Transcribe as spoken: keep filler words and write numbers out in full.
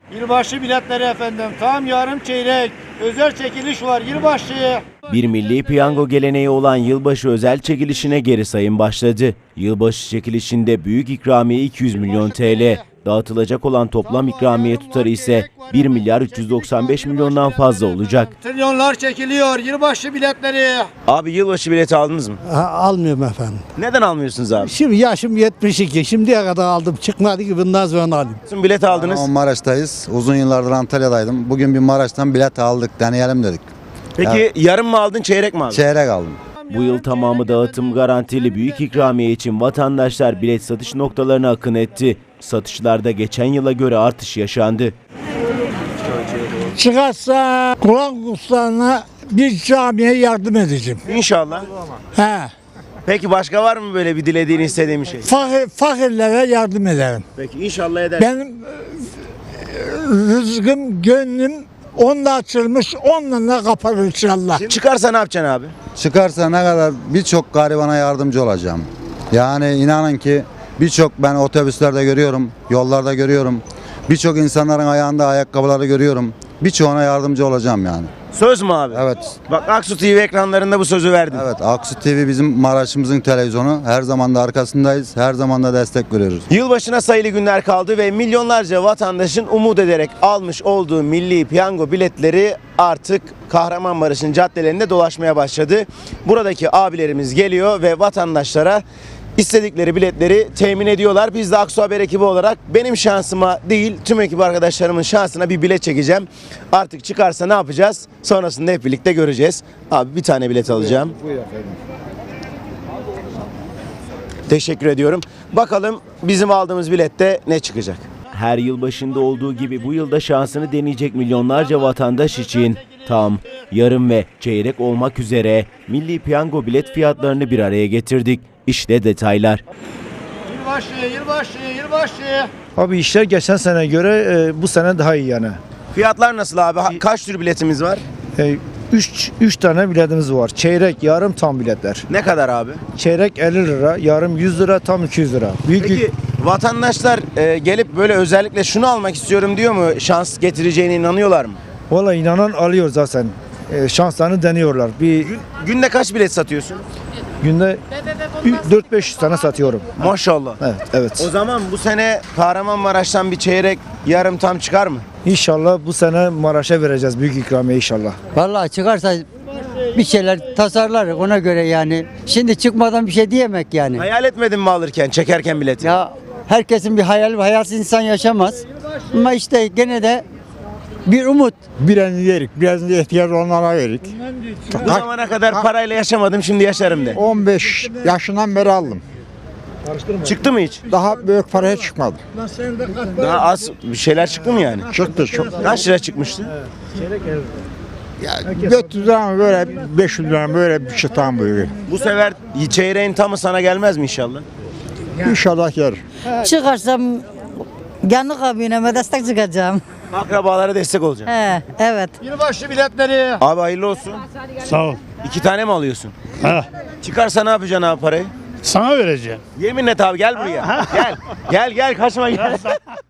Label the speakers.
Speaker 1: Yılbaşı biletleri efendim. Tam yarım çeyrek. Özel çekiliş var yılbaşı.
Speaker 2: Bir milli piyango geleneği olan yılbaşı özel çekilişine geri sayım başladı. Yılbaşı çekilişinde büyük ikramiye iki yüz milyon T L. Dağıtılacak olan toplam ikramiye tutarı ise bir milyar üç yüz doksan beş milyondan fazla olacak.
Speaker 1: Trilyonlar çekiliyor yılbaşı biletleri.
Speaker 2: Abi yılbaşı bileti aldınız mı?
Speaker 3: Ha, almıyorum efendim.
Speaker 2: Neden almıyorsunuz abi?
Speaker 3: Şimdi yaşım yetmiş iki. Şimdiye kadar aldım. Çıkmadı ki bundan sonra alayım.
Speaker 2: Bilet aldınız.
Speaker 4: Ama Maraş'tayız. Uzun yıllardır Antalya'daydım. Bugün bir Maraş'tan bilet aldık. Deneyelim dedik.
Speaker 2: Peki yarım mı aldın, çeyrek mi aldın?
Speaker 4: Çeyrek aldım.
Speaker 2: Bu yıl tamamı dağıtım garantili büyük ikramiye için vatandaşlar bilet satış noktalarına akın etti. Satışlarda geçen yıla göre artış yaşandı.
Speaker 3: Çıkarsa Kur'an kurslarına bir camiye yardım edeceğim.
Speaker 2: İnşallah.
Speaker 3: He.
Speaker 2: Peki başka var mı böyle bir dilediğin, istediğin bir şey?
Speaker 3: Fakir, fakirlere yardım ederim.
Speaker 2: Peki inşallah eder.
Speaker 3: Benim e, rızkım, gönlüm onunla açılmış, onunla kapanır inşallah.
Speaker 2: Çıkarsa ne yapacaksın abi?
Speaker 4: Çıkarsa ne kadar birçok garibana yardımcı olacağım. Yani inanın ki birçok ben otobüslerde görüyorum, yollarda görüyorum. Birçok insanların ayağında ayakkabıları görüyorum. Birçoğuna yardımcı olacağım yani.
Speaker 2: Söz mü abi?
Speaker 4: Evet.
Speaker 2: Bak Aksu T V ekranlarında bu sözü verdin.
Speaker 4: Evet, Aksu T V bizim Maraş'ımızın televizyonu. Her zaman da arkasındayız. Her zaman da destek veriyoruz.
Speaker 2: Yılbaşına sayılı günler kaldı ve milyonlarca vatandaşın umut ederek almış olduğu milli piyango biletleri artık Kahramanmaraş'ın caddelerinde dolaşmaya başladı. Buradaki abilerimiz geliyor ve vatandaşlara istedikleri biletleri temin ediyorlar. Biz de Aksu Haber ekibi olarak benim şansıma değil tüm ekip arkadaşlarımın şansına bir bilet çekeceğim. Artık çıkarsa ne yapacağız? Sonrasında hep birlikte göreceğiz. Abi bir tane bilet alacağım. Teşekkür ediyorum. Bakalım bizim aldığımız bilette ne çıkacak? Her yıl başında olduğu gibi bu yılda şansını deneyecek milyonlarca vatandaş için tam, yarım ve çeyrek olmak üzere milli piyango bilet fiyatlarını bir araya getirdik. İşte detaylar.
Speaker 1: Yılbaşı, yılbaşı, yılbaşı.
Speaker 5: Abi işler geçen sene göre e, bu sene daha iyi yani.
Speaker 2: Fiyatlar nasıl abi? Ha- Kaç tür biletimiz var?
Speaker 5: 3 3 tane biletimiz var. Çeyrek, yarım, tam biletler.
Speaker 2: Ne kadar abi?
Speaker 5: Çeyrek elli lira, yarım yüz lira, tam iki yüz lira. Büyük
Speaker 2: Peki vatandaşlar e, gelip böyle özellikle şunu almak istiyorum diyor mu? Şans getireceğine inanıyorlar mı?
Speaker 5: Valla inanan alıyor zaten. E, şanslarını deniyorlar. Bir
Speaker 2: Günde kaç bilet satıyorsun?
Speaker 5: günde dört beş yüz tane satıyorum.
Speaker 2: Maşallah.
Speaker 5: Evet, evet.
Speaker 2: O zaman bu sene Kahramanmaraş'tan bir çeyrek, yarım tam çıkar mı?
Speaker 5: İnşallah bu sene Maraş'a vereceğiz büyük ikramiye inşallah.
Speaker 6: Vallahi çıkarsa bir şeyler tasarlarız ona göre yani. Şimdi çıkmadan bir şey diyemek yani.
Speaker 2: Hayal etmedin mi alırken, çekerken bileti?
Speaker 6: Ya herkesin bir hayal, hayalsiz insan yaşamaz. Ama işte gene de bir umut.
Speaker 3: Birini yerik, birazını ihtiyaç onlara verik.
Speaker 2: Bu zamana kadar parayla yaşamadım, şimdi yaşarım de.
Speaker 3: on beş yaşından beri aldım.
Speaker 2: Çıktı mı hiç?
Speaker 3: Daha büyük paraya çıkmadı.
Speaker 2: Daha az bir şeyler çıktı mı yani?
Speaker 3: Çıktı çok.
Speaker 2: Kaç lira çıkmıştı?
Speaker 3: dört yüz lira mı böyle, beş yüz lira mı böyle bir şey tam böyle.
Speaker 2: Bu sefer çeyreğin tamı sana gelmez mi inşallah?
Speaker 3: İnşallah yer.
Speaker 7: Çıkarsam yanık abineme destek çıkacağım.
Speaker 2: Akrabalara destek olacağım.
Speaker 7: He, evet.
Speaker 1: Yılbaşı biletleri.
Speaker 2: Abi hayırlı olsun.
Speaker 8: Sağ ol.
Speaker 2: İki tane mi alıyorsun?
Speaker 8: Ha,
Speaker 2: Çıkarsa ne yapacaksın abi parayı?
Speaker 8: sana vereceğim.
Speaker 2: Yemin et abi gel buraya. Gel. Gel gel kaçma gel.